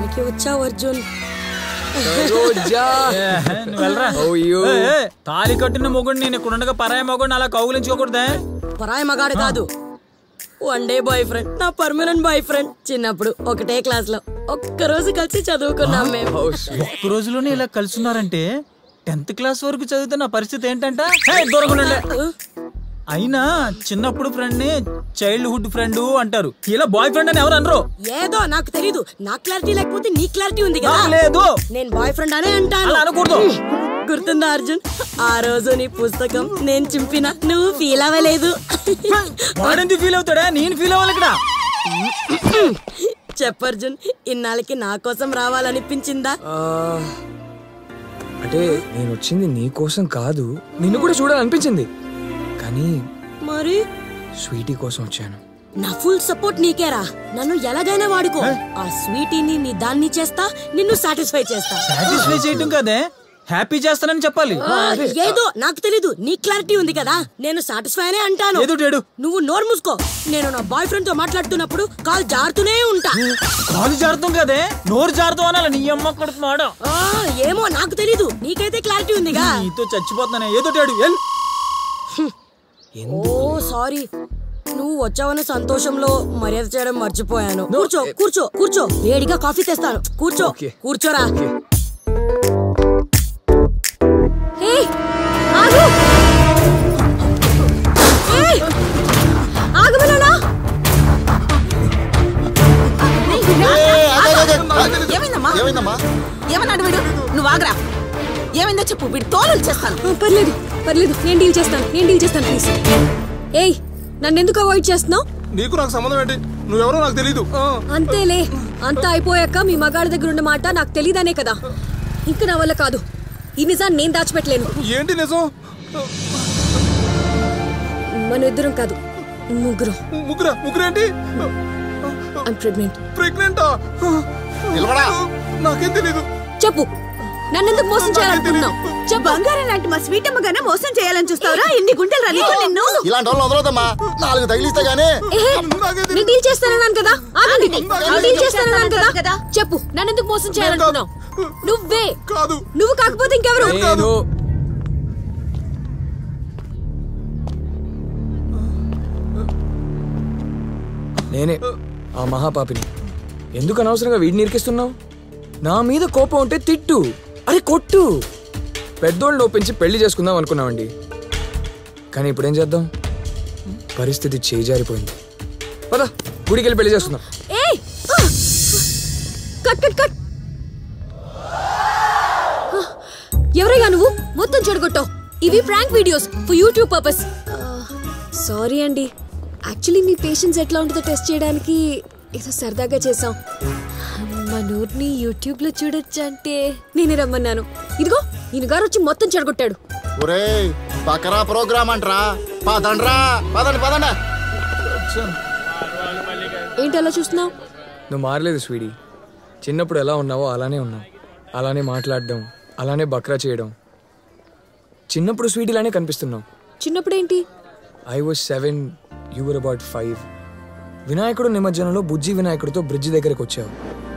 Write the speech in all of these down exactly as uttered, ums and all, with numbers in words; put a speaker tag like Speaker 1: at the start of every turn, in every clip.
Speaker 1: టయానికి వచ్చావు అర్జున్.
Speaker 2: తాళి కట్టిన మొగుడు నేను ఇక్కడ ఉండగా పరాయి మొగుడు అలా కౌగులించుకోకూడదే.
Speaker 1: పరాయి మగాడు కాదు, వన్ డే బాయ్ ఫ్రెండ్, నా పర్మనెంట్ బాయ్ ఫ్రెండ్. చిన్నప్పుడు ఒకటే క్లాస్ లో ఒక్క రోజు కలిసి చదువుకున్నాం మేము.
Speaker 2: ఒక్క రోజులోనే ఇలా కలుసున్నారంటే టెన్త్ క్లాస్ వరకు చదివితే నా పరిస్థితి ఏంటంట. దూరంగా అయినా చిన్నప్పుడు ఫ్రెండ్ ని చైల్డ్హుడ్ ఫ్రెండ్ అంటారు, ఇలా బాయ్ ఫ్రెండ్ అని ఎవరు అనరు.
Speaker 1: ఏదో నాకు తెలీదు, నా క్లారిటీ లేకపోతే నీ క్లారిటీ ఉంది కదా.
Speaker 2: లేదు,
Speaker 1: నేను బాయ్ ఫ్రెండ్ అనే అంటాను.
Speaker 2: అనకూడదు.
Speaker 1: గుర్తుందా అర్జున్, ఆ రోజు నీ పుస్తకం నేను చింపిన నువ్వు ఫీల్ అవ్వలేదు.
Speaker 2: వాడెందుకు ఫీల్ అవుతాడా, నేను ఫీల్ అవ్వాలి ఇక్కడ.
Speaker 1: చెప్పు అర్జున్, ఇన్నాళ్ళకి నా కోసం రావాలనిపించిందా?
Speaker 3: అంటే నేను వచ్చింది నీ కోసం కాదు, నిన్ను కూడా చూడాలనిపించింది. కానీ
Speaker 1: మరి
Speaker 3: స్వీటీ కోసం వచ్చాను.
Speaker 1: నా ఫుల్ సపోర్ట్ నీకేరా. నన్ను ఎలాగైనా వాడుకో. ఆ స్వీటీని నీ దాన్ని చేస్తా, నిన్ను సాటిస్ఫై చేస్తా.
Speaker 2: సాటిస్ఫై చేయటం కాదే, హ్యాపీ చేస్తానని చెప్పాలి.
Speaker 1: ఏదో నాకు తెలీదు, నీ క్లారిటీ ఉంది కదా. నేను సాటిస్ఫై అనే అంటాను. నువ్వు నోరు మూసుకో. నేను నా బాయ్ ఫ్రెండ్ తో మాట్లాడుతున్నప్పుడు కాల్ జారుతూనే ఉంటా.
Speaker 2: కాలు జారుతాం కదే, నోరు జారుతాం అనాలి. నీ అమ్మ కొడుతున్నాడు.
Speaker 1: ఏమో నాకు తెలీదు, నీకైతే క్లారిటీ ఉందిగా.
Speaker 2: నీతో చచ్చిపోతున్నానే, ఏదో
Speaker 1: ఓ సారీ, నువ్వు వచ్చావనే సంతోషంలో మర్యాద చేయడం మర్చిపోయాను. కూర్చో కూర్చో కూర్చో, వేడిగా కాఫీ తెస్తాను. కూర్చో కూర్చోరా.
Speaker 4: ఏమన్నాడు వీడు? నువ్వు ఆగరా. ఏమైందో చెప్పు, వీడు తోలు చేస్తాను.
Speaker 5: పర్లేదు పర్లేదు, నేను డీల్ చేస్తాను నేను డీల్ చేస్తాను ప్లీజ్. ఏయ్, నన్ను ఎందుకు అవాయిడ్ చేస్తున్నావు?
Speaker 6: నీకు నాకు సంబంధం ఏంటి? నువ్వెవరో నాకు తెలీదు.
Speaker 5: అంతేలే, అంతా అయిపోయాక మీ మగాడి దగ్గర ఉన్న మాట నాకు తెలీదనే కదా. ఇంకా నా వల్ల కాదు, ఈ నిజాన్ని నేను దాచిపెట్టలేను.
Speaker 6: ఏంటి నిజం?
Speaker 5: మన ఇద్దరం కాదు, ముగ్గురు.
Speaker 6: ముగ్గురా? ముగ్గురేంటి?
Speaker 5: I'm pregnant.
Speaker 6: ప్రెగ్నెంటా? నాకేం తెలీదు.
Speaker 5: చెప్పు, నన్నెందుకు మోసం చేయాలనుకుంటున్నావు?
Speaker 4: బంగారం లాంటి మా స్వీట్ అమ్మగానే మోసం చేయాలని చూస్తావరా? ఇన్ని గుంటలు రని నిన్ను.
Speaker 7: ఇలాంటి వాళ్ళు వదలదమ్మా, నాలుగు తగిలిస్తే గానీ.
Speaker 5: నేను డీల్ చేస్తానన్నాను కదా. ఆగండి, నేను డీల్ చేస్తానన్నాను కదా. చెప్పు, నన్నెందుకు మోసం చేయాలనుకున్నావు? నువ్వే.
Speaker 6: కాదు.
Speaker 5: నువ్వు కాకపోతే ఇంకెవరు?
Speaker 3: నేనే ఆ మహాపాపిని. ఎందుకు అనవసరంగా వీడిని ఇరికిస్తున్నావు? నా మీద కోపం ఉంటే తిట్టు, అరే కొట్టు. పెద్దోళ్ళని ఒప్పించి పెళ్లి చేసుకుందాం అనుకున్నామండి, కానీ ఇప్పుడేం చేద్దాం? పరిస్థితి చేజారిపోయింది. పద, గుడికి వెళ్ళి పెళ్లి చేసుకుందాం.
Speaker 5: Cut cut cut. ఎవరైనా నువ్వు మొత్తం చెడగొట్టావు. ఇవి prank videos for YouTube purpose. Sorry అండి, యాక్చువల్లీ మీ పేషెన్స్ ఎట్లా ఉంటుందో టెస్ట్ చేయడానికి ఏదో సరదాగా చేసాం. మా నోట్ని యూట్యూబ్ లో చూడొచ్చు అంటే నేనే రమ్మన్నాను. ఇదిగో ఈయన గారు వచ్చి మొత్తం చెడగొట్టాడు.
Speaker 7: ఒరేయ్, బకరా ప్రోగ్రామ్ అంటరా. పదండ్రా, పదండి పదండి.
Speaker 5: ఏంటి అలా చూస్తున్నావు?
Speaker 3: నువ్వు మారలేదు స్వీటీ. చిన్నప్పుడు ఎలా ఉన్నావో అలానే ఉన్నావు. అలానే మాట్లాడడం, అలానే బక్రా చేయడం. చిన్నప్పుడు స్వీటీలానే కనిపిస్తున్నావు.
Speaker 5: చిన్నప్పుడు ఏంటి?
Speaker 3: I was seven, you were about five. వినాయకుడు నిమజ్జనంలో బుజ్జి వినాయకుడితో బ్రిడ్జి దగ్గరకు వచ్చావు.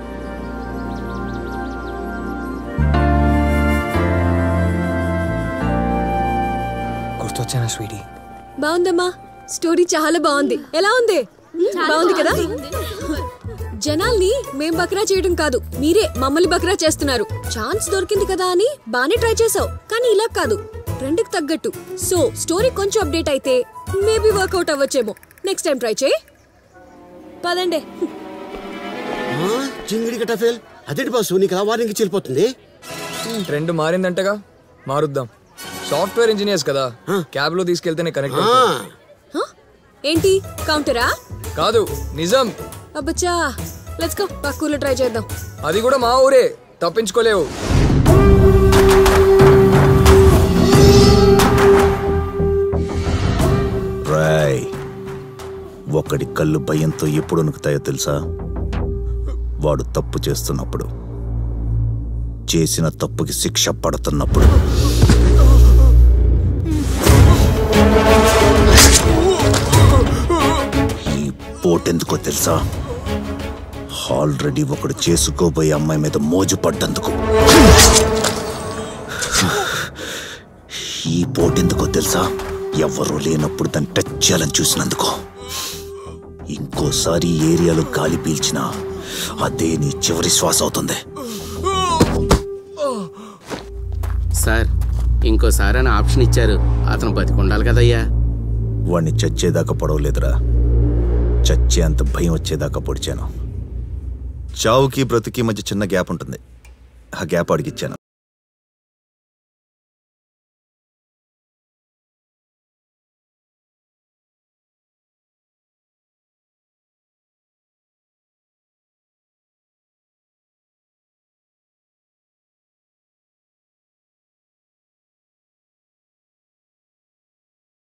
Speaker 3: గుర్తొచ్చానా స్వీటీ?
Speaker 5: బాగుందమ్మా, స్టోరీ చాలా బాగుంది. ఎలా ఉంది? బాగుంది కదా. జనాల్ని మేం బక్రా చేయడం కాదు, మీరే మమ్మల్ని బక్రా చేస్తున్నారు. ఛాన్స్ దొరికింది కదా అని బానే ట్రై చేసావు, కానీ ఇలా కాదు, ట్రెండ్ కి తగ్గట్టు. సో స్టోరీ కొంచెం అప్డేట్ అయితే మేబీ వర్కౌట్ అవ్వచ్చేమో. నెక్స్ట్ టైం ట్రై చేయి. పదండి.
Speaker 7: చింగిడి గట్ట ఫెయిల్. అదేంటి బాసు, నీకు ఆ వార్నింగ్ చెల్లిపోతుంది.
Speaker 3: ట్రెండ్ మారిందంటగా, మారుద్దాం. సాఫ్ట్వేర్ ఇంజనీర్స్ కదా, క్యాబ్ లో తీసుకెళ్తేనే కనెక్ట్.
Speaker 5: ఏంటి కౌంటరా?
Speaker 3: కాదు, నిజం.
Speaker 5: అబ్బచ్చా, లెట్స్ గో. పక్కూర్లో ట్రై చేద్దాం.
Speaker 3: అది కూడా మా ఊరే, తప్పించుకోలేవు.
Speaker 8: రాయ్, ఒకడి కళ్ళు భయంతో ఎప్పుడు వణుకుతాయో తెలుసా? వాడు తప్పు చేస్తున్నప్పుడు, చేసిన తప్పుకి శిక్ష పడుతున్నప్పుడు. ఈ పోటెందుకో తెలుసా? ఆల్రెడీ ఒకడు చేసుకోబోయే అమ్మాయి మీద మోజు పడ్డందుకు. ఈ పోటెందుకో తెలుసా? ఎవరూ లేనప్పుడు దాన్ని టచ్ చేయాలని చూసినందుకు. ఇంకోసారి ఈ ఏరియాలో గాలి పీల్చినా అదే నీ చివరి శ్వాస అవుతుంది.
Speaker 9: సార్ ఇంకోసారి అని ఆప్షన్ ఇచ్చారు, అతను బతికుండాలి కదయ్యా.
Speaker 8: వాణ్ణి చచ్చేదాకా పొడవలేదురా, చచ్చే అంత భయం వచ్చేదాకా పొడిచాను. చావుకి బ్రతుకి మధ్య చిన్న గ్యాప్ ఉంటుంది, ఆ గ్యాప్ అడిగిచ్చాను.